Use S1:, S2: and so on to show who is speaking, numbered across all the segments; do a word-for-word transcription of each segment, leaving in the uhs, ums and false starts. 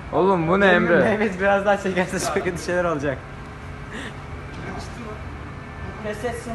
S1: Oğlum bu ne Emre?
S2: Mehmet biraz daha çekerse çok kötü şeyler olacak. Kes etsin.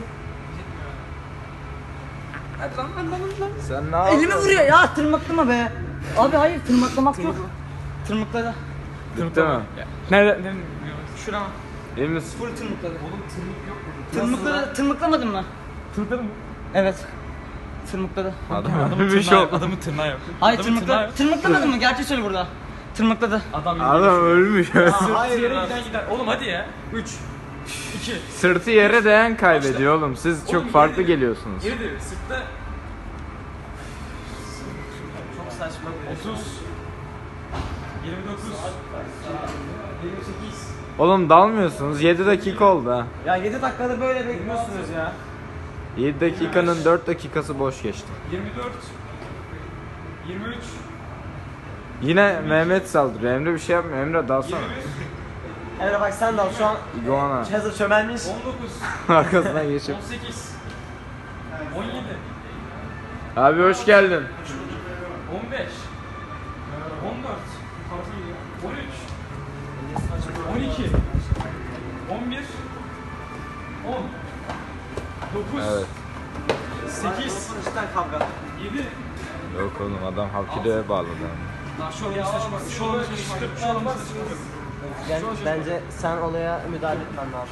S2: Hadi lan lan lan lan.
S1: Sen ne yapıyorsun?
S2: Elimi vuruyor ya, tırmıklama be. Abi hayır, tırmıklamak yok. Tırmıkladı.
S1: Bitti mi?
S2: Nerede? Şurama.
S1: İyi misin?
S2: Full tırmıkladı. Oğlum tırmık yok burada. Tırmıkladı, tırmıklamadın mı?
S3: Tırmıkladı mı?
S2: Evet. Tırmıkladı.
S1: Adam
S3: Adamın
S1: bir şey
S3: tırnağı,
S1: oldu.
S3: adamın tırnağı yok.
S2: Hayır,
S3: Adamın tırnağı
S2: tırmıkladı.
S3: yok.
S2: Tırmıklamadın mı? Gerçi söyle burada. Tırmıkladı.
S3: Adam yürüyor.
S1: Adam ölmüş.
S3: Hayır yere giden gider. Oğlum hadi ya. üç iki
S1: Sırtı yere değen kaybediyor oğlum. Siz çok
S3: Oğlum,
S1: farklı
S3: yere-
S1: geliyorsunuz.
S3: Geri devir. Sırtta
S2: Çok saçma bir
S3: otuz yirmi dokuz yirmi sekiz
S1: Oğlum dalmıyorsunuz. yedi dakika oldu ha.
S2: Ya yedi dakikada böyle bekliyorsunuz ya.
S1: yedi dakikanın dört dakikası boş geçti.
S3: yirmi dört yirmi üç
S1: Yine Mehmet saldırıyor. Emre bir şey yapmıyor. Emre dalsana.
S3: yirmi bir
S2: Emre bak sen de al şu an
S1: İguana.
S2: hazır çömelmiş.
S3: on dokuz
S1: Arkasına geçip.
S3: on sekiz on yedi
S1: Abi hoş geldin.
S3: on beş on dört on üç on iki on bir on dokuz
S1: Evet.
S3: sekiz
S2: Cidden kavga.
S3: yedi
S1: Yok oğlum adam Hapkido'ya bağladı.
S3: Şu an saçma. Şu an saçma. Şu an saçma.
S2: Bence sen olaya müdahale etmen lazım.